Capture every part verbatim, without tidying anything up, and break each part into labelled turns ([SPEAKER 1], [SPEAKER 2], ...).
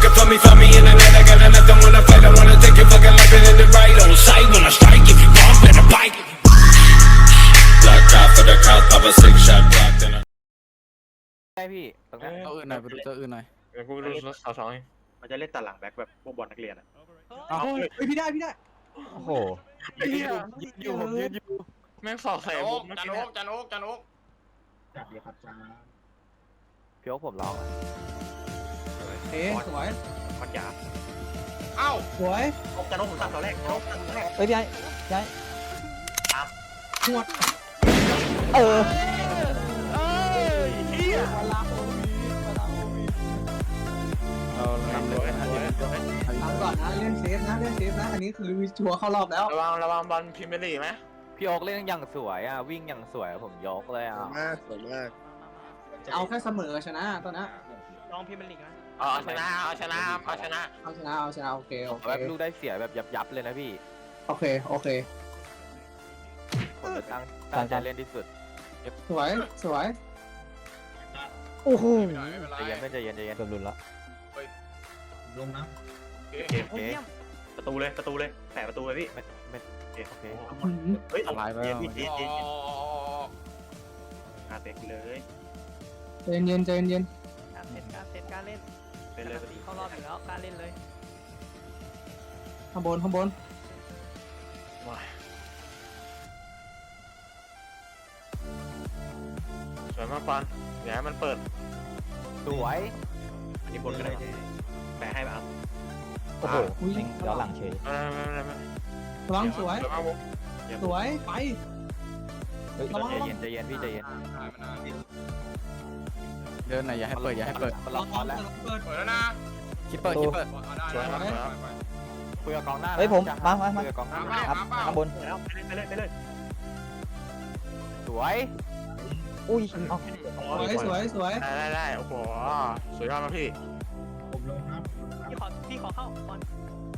[SPEAKER 1] it for me, for me in the night. I got nothing wanna fight. I wanna take your fucking life and end it right on sight. When I strike, if you wrong, better bite. Black out for the count, pop a six shot block, then I.
[SPEAKER 2] ใช่พี่ตรงนี้
[SPEAKER 3] ตัวอื่นหน่อยไปดูตัวอื่นหน่อย
[SPEAKER 4] เดี๋ยวกูไปดูรถสาวสอง
[SPEAKER 5] มันจะเล่นตัดหลังแบ็คแบบพวกบอลนักเรียนอ่ะ
[SPEAKER 3] เอาเฮ้ยพี่ได้พี่ได้
[SPEAKER 2] โอ้โห
[SPEAKER 3] ยืนอยู่ผมยืนอยู่
[SPEAKER 4] แม่งสอบใส่
[SPEAKER 6] จัน
[SPEAKER 4] ผ
[SPEAKER 6] โอ๊
[SPEAKER 4] ม
[SPEAKER 6] ก
[SPEAKER 4] เมื่อ
[SPEAKER 6] จัน
[SPEAKER 4] กี้
[SPEAKER 6] โอ๊
[SPEAKER 4] เนี่ย
[SPEAKER 6] กจันโอ๊กจันโอ๊ก
[SPEAKER 7] จับเดียวครับจ้า
[SPEAKER 2] พี่โอ๊คผมลองอะ
[SPEAKER 3] เอ๊ะสวย
[SPEAKER 5] มันหยาบ
[SPEAKER 6] เอ้า
[SPEAKER 3] สวย
[SPEAKER 5] โอ๊กจะโน้มผมตัดตอนแรกโน้มตัดตอนแรก
[SPEAKER 2] เฮ้ยพี่ไอ้พี่ไอ้
[SPEAKER 3] หวด
[SPEAKER 2] เออ
[SPEAKER 3] เรานำเลยนะ
[SPEAKER 8] ทำก่อนนะเล่นเซฟนะเล่นเซฟนะอันนี้คือชัวร์เข้ารอบแล้ว
[SPEAKER 4] ระวังระวังบอลพิมพ์ไปลีไหม
[SPEAKER 2] พี่โอ๊คเล่นอย่างสวยอ่ะวิ่งอย่างสวยผมยกเลยอ่ะ
[SPEAKER 7] มากสวยมาก
[SPEAKER 8] เอาแค่เสมอชนะตอนนั้น
[SPEAKER 6] น้องพิมพ์เป็นลีกนะ
[SPEAKER 4] เอาชนะเอาชนะเอาชนะ
[SPEAKER 8] เอาชนะเอาชนะโอเคโอเค
[SPEAKER 2] แบบลูกได้เสียแบบยับยับเลยนะพี่
[SPEAKER 8] โอเคโอเค
[SPEAKER 2] ผมจะตั้งตั้งใจเล่นที่สุด
[SPEAKER 8] สวยสวย
[SPEAKER 2] โอ้โห
[SPEAKER 6] ไม่เป็นไรไม่เป็นไร
[SPEAKER 2] ใจเย็นไม่ใจเย็นใจเย็นเกือบหลุดละ
[SPEAKER 7] ลงนะ
[SPEAKER 4] โอเค
[SPEAKER 5] เกม
[SPEAKER 2] โอเค
[SPEAKER 5] ประตูเลยประตูเลยแปะประตูเลยพี่
[SPEAKER 2] ไม่ไม่
[SPEAKER 5] โอเค
[SPEAKER 2] โอเค
[SPEAKER 5] เฮ้ยเอาเย็นพี่เย็น
[SPEAKER 6] อ๋
[SPEAKER 5] เย็น
[SPEAKER 6] อ
[SPEAKER 5] อาเต็กเลย
[SPEAKER 8] ใจเย็นใจเย็น
[SPEAKER 9] การเล่นการเซตการเล่น
[SPEAKER 5] เป็นเลย
[SPEAKER 9] เข้ารอบอยู่แล้วการเล่นเลย
[SPEAKER 8] ข้างบนข้างบน
[SPEAKER 4] สวยมากบอลอย่าให้มันเปิด
[SPEAKER 2] สวย
[SPEAKER 5] อันนี้บนก็ได้แปะให้แบบ
[SPEAKER 2] โอ้โห
[SPEAKER 8] อุ้ย
[SPEAKER 2] ย้อนหลังเฉย
[SPEAKER 4] ไม่ไม่ไม่ไม่
[SPEAKER 8] ระวังสวย
[SPEAKER 4] สวยมากผม
[SPEAKER 8] สวยไป
[SPEAKER 2] เฮ้ยใจเย็นใจเย็นพี่ใจเย็น
[SPEAKER 6] ได้มานาน
[SPEAKER 3] เดินหน่อยอย่าให้เปิดอย่าให้เปิด
[SPEAKER 2] มันล็อกบอลแล้ว
[SPEAKER 6] เปิดแล้วนะ
[SPEAKER 3] คิปเปิดคิปเปิด
[SPEAKER 6] เอาได้ได้ไปไป
[SPEAKER 2] คุยกับกองหน้า
[SPEAKER 10] เฮ้ยผมมามามา
[SPEAKER 2] คุยกับกองหน้า
[SPEAKER 6] มา
[SPEAKER 2] ครับ
[SPEAKER 6] มา
[SPEAKER 10] ข้างบน
[SPEAKER 5] แล้วไปเลยไปเลย
[SPEAKER 2] สวย
[SPEAKER 10] อุ้ยเอา
[SPEAKER 8] สวยสวยสวย
[SPEAKER 4] ได้ได้ได้โอ้โหสวยยอดมากพี่
[SPEAKER 7] ผมลงครับ
[SPEAKER 9] พี่ขอพี่ขอเข้าบอล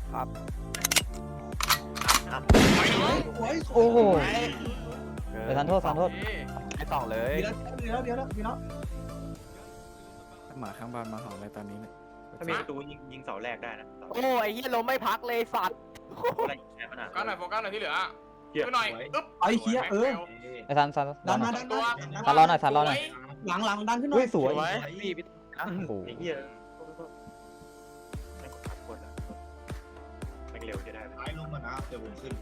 [SPEAKER 8] สวย
[SPEAKER 10] โอ้โห
[SPEAKER 2] เอ
[SPEAKER 10] เดี๋ยวทันโทษทันโทษ
[SPEAKER 2] ให้ต่อเลย
[SPEAKER 8] เดี๋ยวเดี๋ยวเดี๋ยวเดี๋ยว
[SPEAKER 3] หมาข้างบ้านมาหอนอะไรตอนนี้เนี่ย
[SPEAKER 5] ถ้ามีประตูยิงยิงเสาแรกได้นะเสา
[SPEAKER 2] โอ้ไอ้เหี้ยลมไม่พักเลยสัตว์
[SPEAKER 5] อะไรแค่ขนาด
[SPEAKER 6] โฟกัสหน่อยโฟกัสหน่อยที่เหลือช่วยหน่อยอึ๊บ
[SPEAKER 8] ไอ้เฮียเออ
[SPEAKER 10] ไอ้ทันทัน
[SPEAKER 8] ดัน
[SPEAKER 10] ห
[SPEAKER 8] มา
[SPEAKER 10] น่อย
[SPEAKER 8] ดันมา
[SPEAKER 10] ทันรอหน่อยทันรอหน่อย
[SPEAKER 8] หลังหลังดันขึ้นหน่
[SPEAKER 10] อุ้
[SPEAKER 8] อย ย
[SPEAKER 10] สวย
[SPEAKER 2] พี่พี่นะ
[SPEAKER 10] โอ้โห
[SPEAKER 5] ไอ้เหี้ยไม่กดทับกดแล้วไม่เร็วจะได้
[SPEAKER 7] ซ้ายลงมานะเดี๋ยวผมขึ้น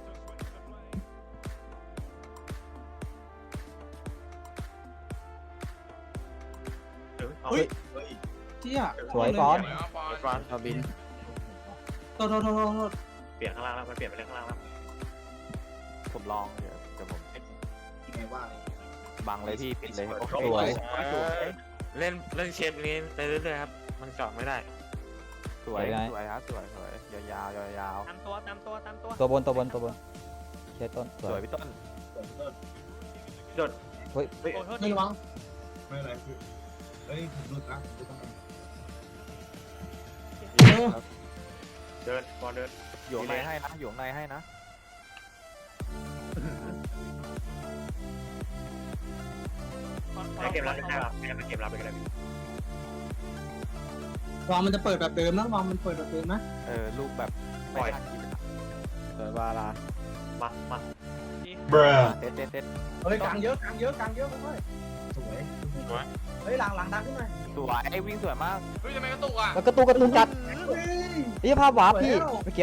[SPEAKER 5] เฮ้ย
[SPEAKER 7] เฮ้ย
[SPEAKER 8] เชี่ย
[SPEAKER 10] สวยก้อน
[SPEAKER 4] บอล
[SPEAKER 3] เราบิน
[SPEAKER 8] โทษโทษโทษโทษ
[SPEAKER 5] เปลี่ยนข้างล่างแล้วมันเปลี่ยนไปเล่นข้างล่างแล้ว
[SPEAKER 2] ผมลองเดี๋ยวเดี๋ยวผม
[SPEAKER 7] ยังไงว่า
[SPEAKER 2] บังเลยพี่ปิดเลยโอเค
[SPEAKER 8] สวย
[SPEAKER 4] เล่นเล่นเชฟนี้ไปเรื่อยๆครับมันเจาะไม่ได้
[SPEAKER 2] สวยสวยครับสวยสวยยาวๆยาว
[SPEAKER 9] ตามตัวตามตัวตามตัว
[SPEAKER 10] ตัวบนตัวบนตัวบนเชต้น
[SPEAKER 2] ๆ
[SPEAKER 10] ส
[SPEAKER 2] ส
[SPEAKER 10] ว
[SPEAKER 2] วย ยพี่ต้น
[SPEAKER 5] โดด
[SPEAKER 10] เฮ้ย
[SPEAKER 5] เฮ้ย
[SPEAKER 9] โอ้โทษ
[SPEAKER 8] ไม่ระวัง
[SPEAKER 7] ไม่อะไรคือเฮ้ยผมรุดนะรุดต้อง
[SPEAKER 8] เออ
[SPEAKER 5] เดินบอลเดิน
[SPEAKER 2] อยู่ข้างในให้นะอยู่ข้างในให้นะ
[SPEAKER 5] ให้เกมรับได้ครับให้เกมรับไปก็ได้
[SPEAKER 8] วางมันจะเปิดแบบเดิมนะวางมันเปิดแบบเดิมนะ
[SPEAKER 2] เออลูกแบบไม่ทันกิน
[SPEAKER 3] สวยบาลา
[SPEAKER 5] มามา
[SPEAKER 2] เต็ดเต็ดเต็ด
[SPEAKER 8] เฮ้ยกลางเยอะกลางเยอะกลางเยอะเว้ย
[SPEAKER 7] สวย
[SPEAKER 8] เฮ้ยหลังหลังดันขึ้นหน่อย
[SPEAKER 2] สวยไอ้วิ่งสวยมาก
[SPEAKER 6] เฮ้ยทำไมกระตุกอ่ะ
[SPEAKER 10] แล้วกระตุกกระตุกจัด
[SPEAKER 8] เฮ้ย
[SPEAKER 10] นี่ภาพวาร์ปพี่เมื่อกี้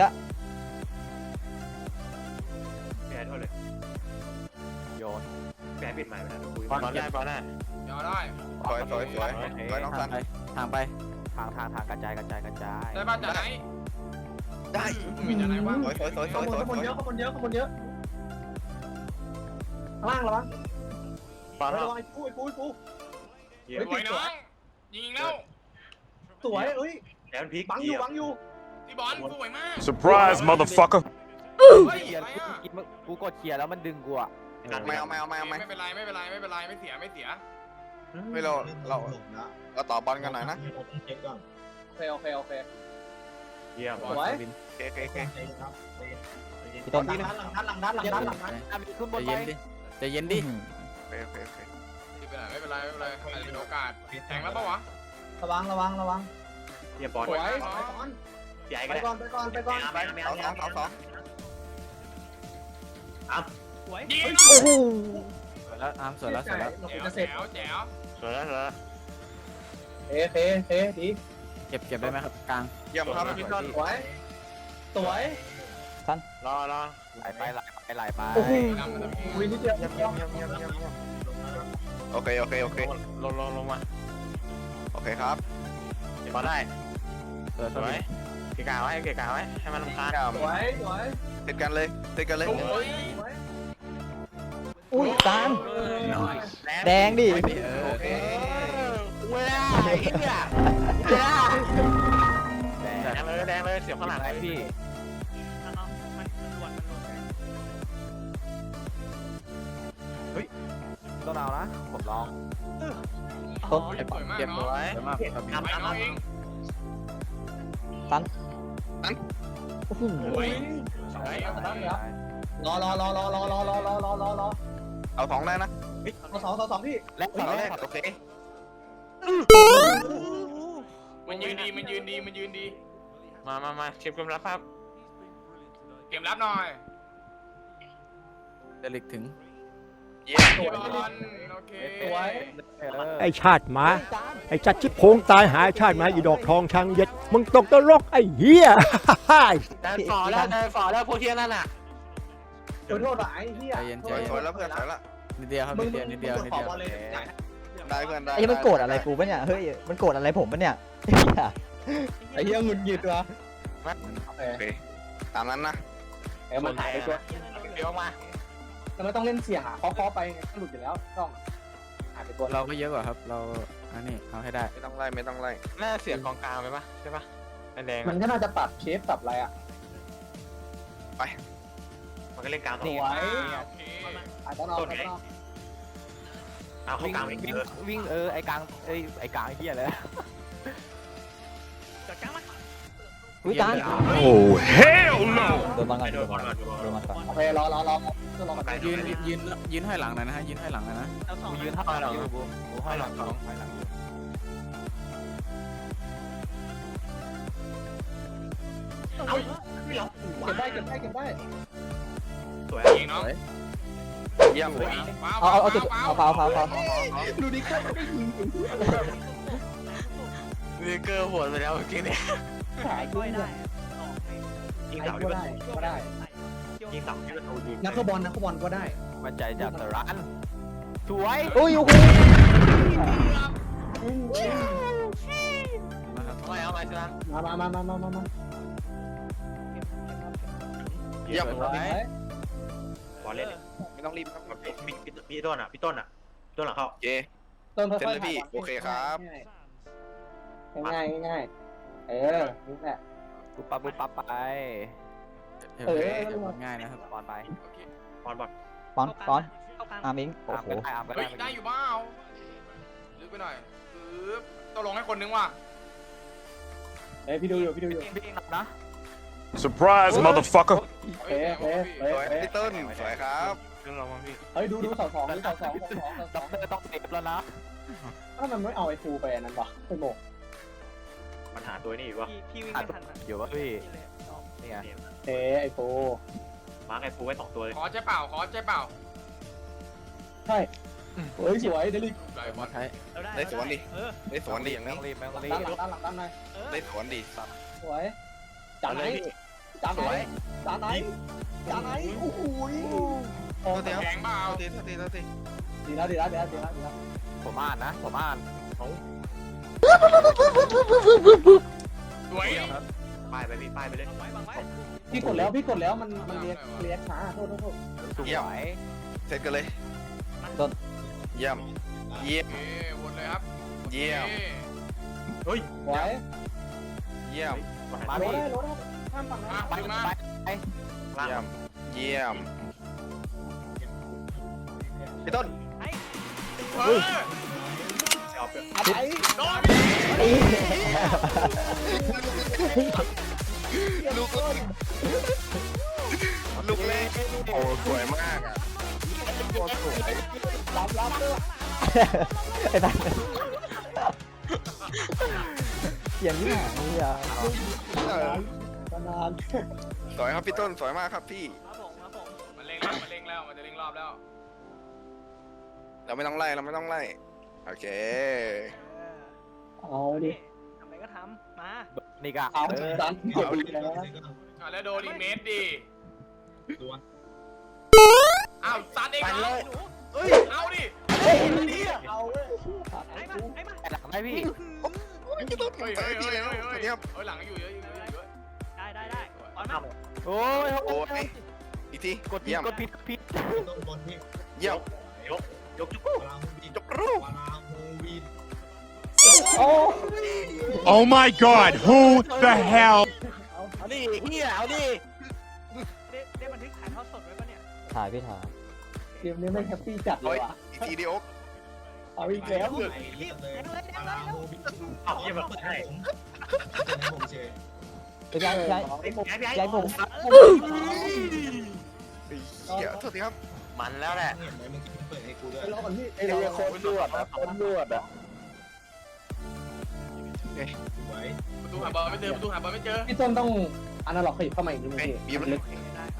[SPEAKER 5] แพ้โทษเลย
[SPEAKER 2] โยน
[SPEAKER 5] แพ้ปิดใหม่ไปนะดูคุย
[SPEAKER 4] บอลได้บอลได้
[SPEAKER 6] เดี๋ยวได้
[SPEAKER 2] สวยสวยสวยสวยน้อง
[SPEAKER 3] ทางไปทางไป
[SPEAKER 2] ทางทางทางกระจายกระจายกระจาย
[SPEAKER 6] ได้ป่ะจะไหน
[SPEAKER 7] ได้
[SPEAKER 6] มีจะไหนวะ
[SPEAKER 7] สวยสวยสวยส
[SPEAKER 8] ข้าง
[SPEAKER 7] วย
[SPEAKER 8] บน
[SPEAKER 7] สวย
[SPEAKER 8] ข้างบนเยอะข้างบนเยอะข้างบนเยอะข้างล่างระวัง
[SPEAKER 4] บอล
[SPEAKER 8] ระวังไอ้กูไอ้กูไอ้กู
[SPEAKER 5] เยี่ย
[SPEAKER 6] สวยน้องยิงแล้ว
[SPEAKER 8] สวยเอ้ย
[SPEAKER 5] แล้วพีค
[SPEAKER 8] บังอยู่บังอยู่
[SPEAKER 6] ที่บอลสวยมาก
[SPEAKER 1] Surprise, motherfucker.
[SPEAKER 6] เฮ้ย
[SPEAKER 2] เขียน
[SPEAKER 6] อะไรอ่ะ
[SPEAKER 2] กูกูกดเขียนแล้วมันดึงกูอ่ะ
[SPEAKER 5] ไม่เอาไม่เอาไม่เอา
[SPEAKER 6] ไม่เป็นไรไม่เป็นไรไม่เป็นไรไม่เสียไม่เสีย
[SPEAKER 7] ไม่เราเราเราต่อบอลกันหน่อยนะ
[SPEAKER 8] โอเคโอเคโอเค
[SPEAKER 5] เยี่ยม
[SPEAKER 8] สวย
[SPEAKER 3] บิน
[SPEAKER 7] โอเคโอเคโอเค
[SPEAKER 10] พี่ต้น
[SPEAKER 8] หลังด้านหลังด้านหลังด้านหลังด้านหลังด้าน
[SPEAKER 2] อ่ะมีขึ้นบ
[SPEAKER 3] ใจ
[SPEAKER 2] นไป
[SPEAKER 3] เย็นดิใจเย็นดิ
[SPEAKER 7] โอเคโอเคโอเค
[SPEAKER 6] ไม่เป็นไรไม่เป็นไรไม่เป็นไรอาจจะเป็นโอกาสแทงแล้วปะวะ
[SPEAKER 8] ระวังระวังระวัง
[SPEAKER 6] ร
[SPEAKER 4] เรียบบอล
[SPEAKER 8] สวยไปก่อน
[SPEAKER 4] ใหญ่
[SPEAKER 8] ไป
[SPEAKER 4] กัน
[SPEAKER 8] ก่อนไปก่อนไปก่อน
[SPEAKER 4] ไปไป
[SPEAKER 7] สองสองสองสอง
[SPEAKER 9] สวย
[SPEAKER 6] ยิง
[SPEAKER 10] โอ้โห
[SPEAKER 3] สวยแล้วอาร์มสวยแล้วสวยแล้ว
[SPEAKER 8] เรา
[SPEAKER 6] แจ๋ว
[SPEAKER 8] จะเสร็
[SPEAKER 6] แจ๋
[SPEAKER 8] จ
[SPEAKER 6] วแจ๋ว
[SPEAKER 4] สวยแล้วสวยแล้ว
[SPEAKER 8] เทเทเทดี
[SPEAKER 3] เก็บเก็บได้ไหมครับกลาง
[SPEAKER 7] เยี่ยมครับ
[SPEAKER 8] สวยสวย
[SPEAKER 4] รอรอ
[SPEAKER 3] ไหลไปไหลไปไหลไป
[SPEAKER 10] โอ้โห
[SPEAKER 6] นำมันจะมี
[SPEAKER 8] วินิดเดียว
[SPEAKER 4] เยี่ยมเยี่ยมเยี่ยมเยี่ยมเยี่ยมเยี่ยม
[SPEAKER 7] โอเคโอเคโอเค
[SPEAKER 4] ลงลงลงมา
[SPEAKER 7] โอเคครับ
[SPEAKER 4] พอได้
[SPEAKER 3] สวย
[SPEAKER 4] ส
[SPEAKER 3] สว
[SPEAKER 4] วย ยเกะกะไว้เกะกะไว้ให้มันรำคาญ
[SPEAKER 7] เยี่ยม
[SPEAKER 8] สวยสวย
[SPEAKER 7] ติดกันเลยติดกันเลย
[SPEAKER 6] โอ้ย
[SPEAKER 8] สวย
[SPEAKER 10] อุ้ยจาน
[SPEAKER 4] แด
[SPEAKER 10] แดงดิ
[SPEAKER 7] โอเค
[SPEAKER 4] เวลาไอ้เนี่ยเวลาแดงเลยแดงเลยเสียบข้างหลัง
[SPEAKER 3] ไหนพี่
[SPEAKER 9] เอาเอามันมันหลวนมันหลวน
[SPEAKER 3] ต้องเอานะผมลอง
[SPEAKER 9] อ๋อ
[SPEAKER 6] สวยมาก
[SPEAKER 3] เก็บ
[SPEAKER 6] เนาะ
[SPEAKER 3] ไว้สวยมากครับ
[SPEAKER 4] ทำ
[SPEAKER 6] ไป
[SPEAKER 4] ทำ
[SPEAKER 6] เอาเอง
[SPEAKER 10] โอ้โห
[SPEAKER 6] โอ้ย
[SPEAKER 8] สวยรอรอรอรอรอรอรอรอรอรอรอ
[SPEAKER 7] เอาสองได้นะ
[SPEAKER 8] เอาสองสองสองพี่
[SPEAKER 3] และ
[SPEAKER 7] สองแรกโอเค
[SPEAKER 6] มันยืนดีมันยืนดีมันยืนดี
[SPEAKER 4] มามามาเชฟกำลังครับ
[SPEAKER 6] เกมรับหน่อย
[SPEAKER 3] เดลิกถึง
[SPEAKER 7] เยี่ยม
[SPEAKER 6] บอลโอเค
[SPEAKER 8] สวย
[SPEAKER 11] ไอ้ชาติหมา ไอ้จัดชิบโพงตายหายชาติหมาอีดอกทองช้างเย็ด มึงตกตะลกไอ้เหี้ย
[SPEAKER 4] ได้ฝอแล้วได้ฝอแล้วพวกเทียนั่นน่ะ
[SPEAKER 8] ขอโทษอ่ะไอ้เหี้ย
[SPEAKER 3] ใจเย็นใจ
[SPEAKER 7] สวย
[SPEAKER 3] เย็
[SPEAKER 7] สวยแล้วเพื่อนสวยละ
[SPEAKER 3] นิดเดียวครับ
[SPEAKER 8] มึ
[SPEAKER 3] นิ
[SPEAKER 8] ง
[SPEAKER 3] ดเดียวนิดเดียวนิดเดียว
[SPEAKER 8] ขอบอลเลยจ่าย
[SPEAKER 7] ได้เพื่อนได้
[SPEAKER 10] ไอ้ยังมันโกรธอะไรกูปะเนี่ย เฮ้ย มันโกรธอะไรผมปะเนี่ยเหี้ย
[SPEAKER 8] ไอ้เหี้ยงุนหงิดวะ
[SPEAKER 7] โอเคตามนั้นนะ
[SPEAKER 8] เอ้มันหายไปตัว
[SPEAKER 4] เดี๋ยวมา
[SPEAKER 8] แต่ไม่ต้องเล่นเสียหาเคาะๆไปไงก็หลุดอยู่แล้วต้องหายไปตัว
[SPEAKER 3] เราก็เยอะกว่าครับเราอันนี้เอาให้ได้
[SPEAKER 7] ไม่ต้องไล่ไม่ต้องไล่
[SPEAKER 4] น่าเสียบกองกลางไปปะใช่ปะแดง
[SPEAKER 8] มันก็น่าจะปรับเชฟปรับอะไรอ่ะ
[SPEAKER 4] มันก็เล่นกลาง
[SPEAKER 8] ส
[SPEAKER 4] ตรง
[SPEAKER 8] วย
[SPEAKER 6] โอเค
[SPEAKER 8] อาจจะนอกอาจจะนอก
[SPEAKER 4] เอาเข้ากลาง
[SPEAKER 3] วิ่ง
[SPEAKER 4] อีก
[SPEAKER 3] วิ่ง
[SPEAKER 4] เออ
[SPEAKER 3] วิ่งเออไอ้กลางไอ้ไอ้กลางเหี้ยเลย
[SPEAKER 9] จอดกลางมา
[SPEAKER 10] อุ้ยจาน
[SPEAKER 11] โอ้ hell no
[SPEAKER 10] โดนบอลก่อน
[SPEAKER 4] โด
[SPEAKER 10] โด
[SPEAKER 4] น
[SPEAKER 10] น
[SPEAKER 4] บบ อ
[SPEAKER 10] อ
[SPEAKER 4] ล
[SPEAKER 10] ล
[SPEAKER 4] ก่
[SPEAKER 10] ก่
[SPEAKER 4] อ
[SPEAKER 10] อน น
[SPEAKER 4] โดนบอล
[SPEAKER 10] โดนบอลก่อน
[SPEAKER 8] โอเครอรอรอก็รอมา
[SPEAKER 3] ยืนยืนยืนให้หลังหน่อยนะฮะยืนให้หลังหน่อยนะ
[SPEAKER 9] เอาสอง
[SPEAKER 3] กูยืน
[SPEAKER 9] นะ
[SPEAKER 3] ให้หลังอยู่กูกูให้หลังสองให้หลังอยู่
[SPEAKER 4] เอ้าไม่หรอ
[SPEAKER 8] เก็บได้เก็บได้เก็บได้
[SPEAKER 4] สวย
[SPEAKER 6] ยิงน้อง
[SPEAKER 7] เยี่ยม
[SPEAKER 6] โอ้ย
[SPEAKER 10] เอาเอาเอาจุดเอาเผาเผาเผา
[SPEAKER 8] ดูดิก็ไม่ได้ยิง
[SPEAKER 4] มีเกอร์หัวไปแล้วเมื่อกี้เนี่ย
[SPEAKER 8] หาย
[SPEAKER 9] ช่
[SPEAKER 8] ด้
[SPEAKER 9] ว
[SPEAKER 8] วย ย
[SPEAKER 9] ได้
[SPEAKER 4] ยิง
[SPEAKER 8] ไอ้
[SPEAKER 4] เสา
[SPEAKER 8] ก็ได้ก็ได้
[SPEAKER 4] ยิงเสาที่ประตูยิง
[SPEAKER 8] นักบอลนักบอลก็ได้
[SPEAKER 3] มันใจจับแต่ร้านสวย
[SPEAKER 10] อุ้ยโอ้โห
[SPEAKER 3] มาครับ
[SPEAKER 4] ไม่เอาไปใช่ไหม
[SPEAKER 8] มามามามามามามา
[SPEAKER 7] เยี่ยม
[SPEAKER 3] สวย
[SPEAKER 4] บอลเล่น
[SPEAKER 7] ไม่ต้องรีบครับ
[SPEAKER 4] พี่พี่พี่ต้นอ่ะพี่ต้นอ่ะต้นหลังเข้า
[SPEAKER 7] โอเค
[SPEAKER 8] ต้นค่อย
[SPEAKER 7] เซ็นเลยพี่โอเคครับ
[SPEAKER 8] ง่ายง่ายเออนี่แหละ
[SPEAKER 3] ปุ๊บปั๊บปุ๊บปั๊บไป
[SPEAKER 8] เออ
[SPEAKER 3] ง่ายนะครับบอลไป
[SPEAKER 6] โอเค
[SPEAKER 4] บอลบอล
[SPEAKER 10] ปอนปอน
[SPEAKER 9] เข้ากลาง
[SPEAKER 10] อามิง
[SPEAKER 3] โอ้
[SPEAKER 10] โอ้
[SPEAKER 3] โห
[SPEAKER 10] โห
[SPEAKER 3] อาร์มก็
[SPEAKER 6] เฮ้
[SPEAKER 3] ได้
[SPEAKER 6] ยได้อยู่เปล่าลึกไปหน่อยปึ๊บต้องลงให้คนนึงว่ะ
[SPEAKER 8] เฮ้ยพี่ดูอยู่พี่ดูอยู่
[SPEAKER 3] วิ่งหนักนะ
[SPEAKER 11] surprise motherfucker
[SPEAKER 6] เฮ้ย
[SPEAKER 8] เอ๊ะ
[SPEAKER 6] เฮ้
[SPEAKER 8] เอ๊ะ
[SPEAKER 6] ย
[SPEAKER 8] เอ๊ะ
[SPEAKER 7] สวยพี่ต้นสวยครับ
[SPEAKER 4] เรื่องเราบ้างพี่
[SPEAKER 8] เฮ้ยดูดูสองสองดูสองสองสองสองส
[SPEAKER 3] ด็
[SPEAKER 8] อ
[SPEAKER 3] อง กเตอร์ต้องเซฟแล้วนะ
[SPEAKER 8] ถ้ามันไม่เอาไอ้ฟูไปอันนั้นวะไปโบก
[SPEAKER 4] มันหาตัวนี่อยู่วะ
[SPEAKER 9] พี่พี่วิ่งไม่ทันอ่ะ
[SPEAKER 3] อยู่วะพี่
[SPEAKER 9] นี่เลยออก
[SPEAKER 3] นี่ไง
[SPEAKER 8] เอ๊ไอ้ฟู
[SPEAKER 4] มาร์กไอ้ฟูไว้สองตัวเลย
[SPEAKER 6] ขอใช่เปล่าขอใช่เปล่า
[SPEAKER 8] ใช่เฮ้ยสวยเดลิ
[SPEAKER 6] ไหลบอ
[SPEAKER 3] มา
[SPEAKER 6] ล
[SPEAKER 3] ใช้
[SPEAKER 9] เราได้
[SPEAKER 7] ได้สวนดิ
[SPEAKER 9] เออ
[SPEAKER 7] ได้สวนดีอย่าง
[SPEAKER 3] ไม่
[SPEAKER 7] นี้
[SPEAKER 3] ต้องรีบไม่ต้องรี
[SPEAKER 8] ด้าน
[SPEAKER 3] บ
[SPEAKER 8] หลังด้านหลังด้านใน
[SPEAKER 9] เออ
[SPEAKER 7] ได้สวนดีสัตว์
[SPEAKER 8] สวยจานไหนจานไหนจานไหนจานไหนโอ้โหโอ้
[SPEAKER 7] เดี๋ยว
[SPEAKER 6] แข็งเปล่า
[SPEAKER 7] เท่าทีเท่าที
[SPEAKER 8] ดีแล้วดีแล้วดีแล้วดีแล้วดีแล้ว
[SPEAKER 3] ผมอ่านนะผมอ่าน
[SPEAKER 6] สวย
[SPEAKER 4] ป้ายไปพี่ป้ายไปเลย
[SPEAKER 9] วางไว้วางไว้
[SPEAKER 8] พี่กดแล้วพี่กดแล้วมันมันเรียกเรียกช้าโทษโทษโทษ
[SPEAKER 3] สวย
[SPEAKER 7] เสร็จกันเลย
[SPEAKER 10] ต้น
[SPEAKER 7] เยี่ยมเยี่ย
[SPEAKER 6] โอ
[SPEAKER 7] ม
[SPEAKER 6] เควนเลยครับ
[SPEAKER 7] เยี่ยม
[SPEAKER 8] สวย
[SPEAKER 7] เยี่ยม
[SPEAKER 3] มา
[SPEAKER 8] โร
[SPEAKER 3] พี่
[SPEAKER 8] ได้โรได้ข้ามฝั่งนะ
[SPEAKER 3] ไปมา
[SPEAKER 7] เยี่ยมเยี่ยมพี่ต้น
[SPEAKER 6] เฮ้ย
[SPEAKER 8] อะไร
[SPEAKER 7] ลูกลูกเล่โอ้สวยมากอ่ะโคตรสวย
[SPEAKER 8] รับรับด้วย
[SPEAKER 10] ไอ้ตาเสียงที่ไหนเนี่ย
[SPEAKER 8] นาน
[SPEAKER 7] สวยครับพี่ต้นสวยมากครับพี่
[SPEAKER 9] ครับผมครับผม
[SPEAKER 6] มันเร่งแล้วมันเร่งแล้วมันจะเร่งรอบแล้ว
[SPEAKER 7] เราไม่ต้องไล่เราไม่ต้องไล่โอเค
[SPEAKER 8] เอาดิ
[SPEAKER 9] ทำอะไรก็ทำมา
[SPEAKER 2] นี่ก็
[SPEAKER 8] เอา
[SPEAKER 2] เออ
[SPEAKER 8] ดันเก็บไปแล้ว
[SPEAKER 6] อ่ะแล้วโดนอีกเมตรดิอ้าวซัดเองเหรอเอ้ยเอาดิ
[SPEAKER 8] เอาเว้ย
[SPEAKER 9] ไอ้มาไอ้มา
[SPEAKER 2] หลังไหมพี่
[SPEAKER 7] โอ้ยพี่ต้น
[SPEAKER 6] เฮ้ย
[SPEAKER 7] เจ
[SPEAKER 6] เฮ้
[SPEAKER 7] อย พี่
[SPEAKER 6] เฮ้ย
[SPEAKER 7] แล้ว
[SPEAKER 6] เฮ้ย
[SPEAKER 7] สวัสดีครับ
[SPEAKER 6] เฮ้ยหลังอยู่เยอะอยู่เยอะอยู่เยอะ
[SPEAKER 9] ได้ได้ได้ตอนมา
[SPEAKER 2] โอ้ย
[SPEAKER 7] โอ้ยอีกที
[SPEAKER 2] กดผิด
[SPEAKER 7] เยี่ยม
[SPEAKER 2] กดผิดผิด
[SPEAKER 7] เยี่ยม
[SPEAKER 5] ยกจุ๊บ
[SPEAKER 7] จบรูป
[SPEAKER 8] โอ้
[SPEAKER 11] Oh my God who the hell
[SPEAKER 2] เอาดิเฮียเอาดิ
[SPEAKER 9] ได้ได้บันทึกถ่ายทอดสดไว้ปะเนี่ย
[SPEAKER 10] ถ่ายพี่ถ่าย
[SPEAKER 8] เกมนี้ไม่แฮปปี้จัดเล
[SPEAKER 7] เฮ้
[SPEAKER 8] ย
[SPEAKER 7] ย
[SPEAKER 8] ว่ะ
[SPEAKER 7] อีกทีเดียว
[SPEAKER 8] เอาอีกแล้ว
[SPEAKER 9] รีบแดงเลยแดงเลย
[SPEAKER 5] เอาเยี่ยมแบบให้
[SPEAKER 10] ไปย้ายย้ายย้ายผม
[SPEAKER 7] เหี้ยโทษทีครับ
[SPEAKER 5] มันแล้วแหละ
[SPEAKER 8] ไปรอก่อนพี่ไอ้เราโคตรนวดนะโคตรนวดอ่ะ
[SPEAKER 6] ประตูหาบอลไม่เจอประตูหาบอลไม่เจอ
[SPEAKER 8] พี่ต้นต้องอนาล็อกขยับเข้ามาอีกนิดนึง
[SPEAKER 7] เฮ้ย
[SPEAKER 8] พี่
[SPEAKER 7] บีบเลย
[SPEAKER 9] ได้ครับ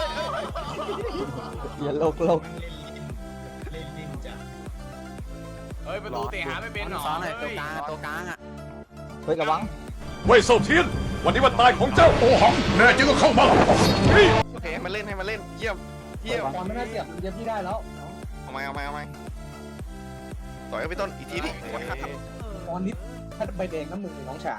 [SPEAKER 10] อย่าโลกโลก
[SPEAKER 6] เฮ้ยประตูเตะหาไม่เป็นหรอ
[SPEAKER 2] ซ้อนหน่อย
[SPEAKER 6] เฮ้
[SPEAKER 2] ตัวย กลางตัวกลางอ่ะ
[SPEAKER 10] เฮ้ยระวัง
[SPEAKER 11] เว่ยเซาเทียน วันนี้วันตายของเจ้าโอหังแน่จริงก็เข้ามา
[SPEAKER 7] โอเคให้มันเล่นให้มันเล่นเยี่ยมเยี่ยม
[SPEAKER 8] ตอนไม่น่าเสียบเย็บพี่ได้แล้ว
[SPEAKER 7] เอาไหมเอาไหมเอาไหมต่อยกับพี่ต้นอีกทีดิสวยครับ
[SPEAKER 8] ตอนนี้ถ้าใบแดงน้ำมือน้องชาย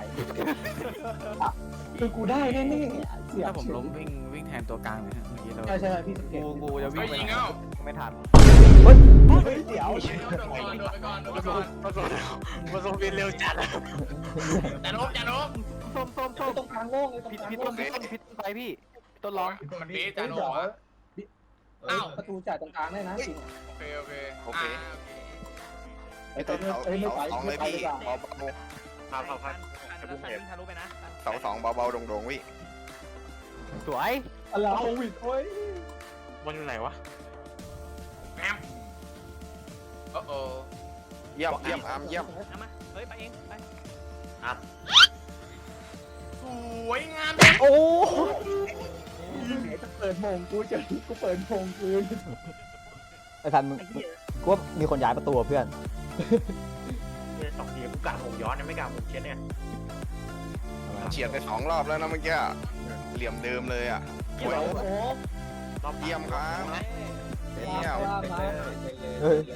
[SPEAKER 8] คือกูได้แน่ๆเสียบ
[SPEAKER 2] ถ้าผมล้มวิ่งวิ่งแทนตัวกลางเลยฮะเมื่อกี้เรา
[SPEAKER 8] ใช่ใช่พี่สังเกต
[SPEAKER 2] กูกูจะวิ่
[SPEAKER 6] เฮ้
[SPEAKER 2] ง
[SPEAKER 6] ย
[SPEAKER 2] ไป
[SPEAKER 6] ยิง
[SPEAKER 2] ไหน
[SPEAKER 6] เอ้า
[SPEAKER 2] ไม่ทัน
[SPEAKER 8] เฮ้ยเดี๋ยว
[SPEAKER 6] โดดไปก่อนโดดไปก่อนโดดไปก่อน
[SPEAKER 5] ผสมผสมบินเร็วจัด
[SPEAKER 6] จานบจานบ
[SPEAKER 2] ส้มส้มส้ม
[SPEAKER 8] ตรงกลางโล่งเลยตรง
[SPEAKER 2] ผิด
[SPEAKER 8] กลาง
[SPEAKER 2] ผิด
[SPEAKER 8] โล่
[SPEAKER 2] ต้
[SPEAKER 8] ง
[SPEAKER 2] นผิดต้นผิดต้นไปพี่ต้นร้อง
[SPEAKER 6] มันเบสจานบ
[SPEAKER 8] เดี๋ยว
[SPEAKER 6] วะ
[SPEAKER 8] อ้าวประตูจ่ายตรงกลางได้นะจริง
[SPEAKER 6] โอเคโอเค
[SPEAKER 7] โอเค
[SPEAKER 8] ไอ้ต้นเอ้ยไม่ไป
[SPEAKER 7] สองเล
[SPEAKER 8] ไม่
[SPEAKER 7] ย
[SPEAKER 8] ไป
[SPEAKER 7] พี่
[SPEAKER 8] ดีกว่า
[SPEAKER 7] เบา
[SPEAKER 5] ครับครับครับ
[SPEAKER 9] อันนั้นสันวิ่งทะลุไปนะ
[SPEAKER 7] ๆเสาสองเบาๆโด่งๆวิ
[SPEAKER 2] สวย
[SPEAKER 8] อะไรโควิดโอ้ย
[SPEAKER 5] บอลอยู่ไหนวะ
[SPEAKER 6] แมมโอ้โห
[SPEAKER 7] เยี่ยมเยี่ยมอาร์มเยี่ยม
[SPEAKER 9] เอามาเฮ้ยไปเองไป
[SPEAKER 6] สวยงาม
[SPEAKER 10] โอ้
[SPEAKER 8] ไหนจะเปิดโมงกูจะกูเปิดโมงคืน
[SPEAKER 10] ไอ้พันมึงกูว่ามีคนย้ายประตูอะเพื่อน
[SPEAKER 5] เนี่ยสองทีกูกะผมย้อนยังไม่กะผมเช็ดเนี่ย
[SPEAKER 7] เฉียดไปสองรอบแล้วนะเมื่อกี้เหลี่ยมเดิมเลยอ่ะ
[SPEAKER 8] โอ้โห
[SPEAKER 5] รอบ
[SPEAKER 7] เยี่ยมครับเยี่ยม
[SPEAKER 8] ว่ามา
[SPEAKER 10] เฮ้ย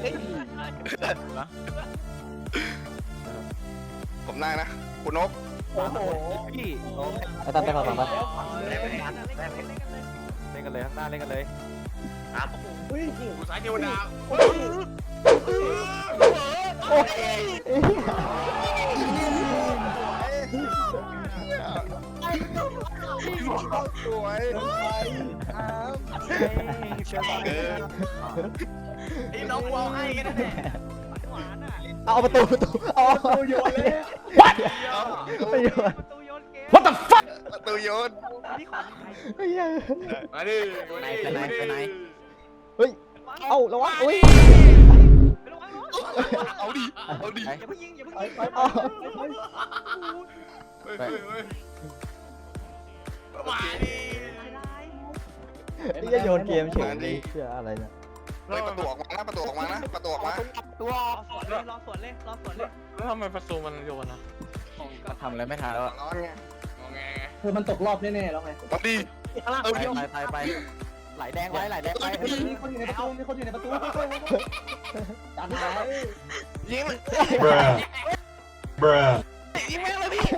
[SPEAKER 7] ผมได้นะคุณนก
[SPEAKER 8] โอ้โห
[SPEAKER 2] พี่
[SPEAKER 10] ไอ้ตันไปฝั่งฝั่งไป
[SPEAKER 9] เล่นกันเลยเล่นกันเลย
[SPEAKER 2] เล่นกันเลยข้างหน้าเล่นกันเลย
[SPEAKER 8] เฮ้ย
[SPEAKER 6] ดูสายเทวดา
[SPEAKER 10] โอ้ย
[SPEAKER 7] สวยเออ
[SPEAKER 6] ไอ้น้องวอลให้กันแน่
[SPEAKER 9] หวานอ่ะ
[SPEAKER 10] เอาประตูประตูเอา
[SPEAKER 8] โอ้โยนเลย
[SPEAKER 10] ไปโยน
[SPEAKER 9] ประตูโยนเกม
[SPEAKER 11] What the fuck
[SPEAKER 7] ประตูโยน
[SPEAKER 9] นี่ขอใคร
[SPEAKER 10] เฮ้ย
[SPEAKER 6] มาดิ
[SPEAKER 10] เฮ้ยเอาระวังอุ้ย
[SPEAKER 9] ไประวังเนาะ
[SPEAKER 7] เอาดิเอาดิ
[SPEAKER 9] อย่าเพิ่งยิงอย่าเพิ่ง
[SPEAKER 8] ไป
[SPEAKER 9] ยิง
[SPEAKER 8] ไปไป
[SPEAKER 6] เฮ้ยเฮ้ยเฮ้ยมาดิ
[SPEAKER 10] นี่จะโยนเกมเฉยเลยเชื่ออะไรเนี่ย
[SPEAKER 7] เฮ้ยประตูออกมานะประตูออกมานะประตูออกมา
[SPEAKER 2] ตัว
[SPEAKER 9] รอสวนเลยรอสวนเลยรอสวนเลย
[SPEAKER 5] แล้วทำไมประตูมันโยนอ่ะ
[SPEAKER 2] ทำอะไรไม่ทันแล้ว
[SPEAKER 7] ร้อนไง
[SPEAKER 6] งอแง
[SPEAKER 8] คือมันตกรอบแน่ๆแล้วไง
[SPEAKER 7] เอาดิ
[SPEAKER 2] ไปไปไปไหลแดงไว้ไหลแดงไว้
[SPEAKER 8] มีคนอยู่ในประตูมีคนอยู่ในประตูจานไหน
[SPEAKER 7] ยิง
[SPEAKER 11] Bruh Bruh
[SPEAKER 7] ยิงแม่งเลยพี่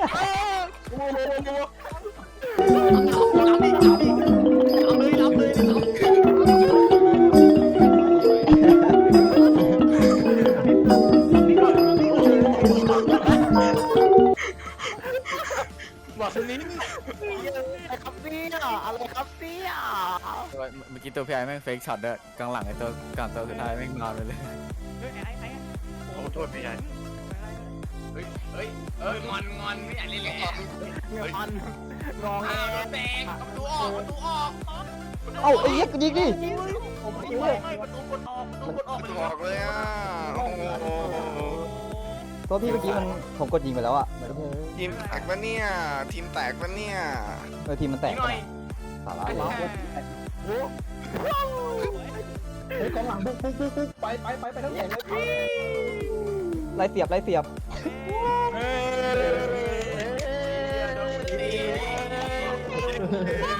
[SPEAKER 2] บอกสนิทอะไรครับเนี่ยอะไรครับเนี่ยเมื่อกี้ตัวพี่ไอ้แม่งเฟกช็อตเด้อกลางหลังไอ้ตัวกลางตัวสุดท้ายแม่งนอนไปเลย
[SPEAKER 9] เฮ้ยไอ้ไอ้
[SPEAKER 5] โอ้โทษพี่ใหญ่
[SPEAKER 6] เฮ้ยเฮ้ยเอ้ยงอนงอนไม่อยากเล่นแล้ว
[SPEAKER 2] งอนงอง
[SPEAKER 6] อ้าวโดนแตกประตูออกประตูออก
[SPEAKER 10] เอาไอ้เหี้ยยิงดิ
[SPEAKER 6] ไม่ไม่ประตูกดออกประตูกดออก
[SPEAKER 7] ประตูออกเลยอ่ะโอ้โห
[SPEAKER 10] ตัวพี่เมื่อกี้มันผมกดยิงไปแล้วอ่ะ
[SPEAKER 7] ทีมแตกปะเนี่ยทีมแตกปะเนี่ย
[SPEAKER 10] เออทีมมันแตก
[SPEAKER 6] ยิงหน่อย
[SPEAKER 10] สาระ
[SPEAKER 8] หลังเฮ้ยกองหลังบุกบุกบุกบุกไปไปไปไปทั้งสองเลย
[SPEAKER 10] ไล่เสียบไล่เสียบ
[SPEAKER 6] เฮ้ย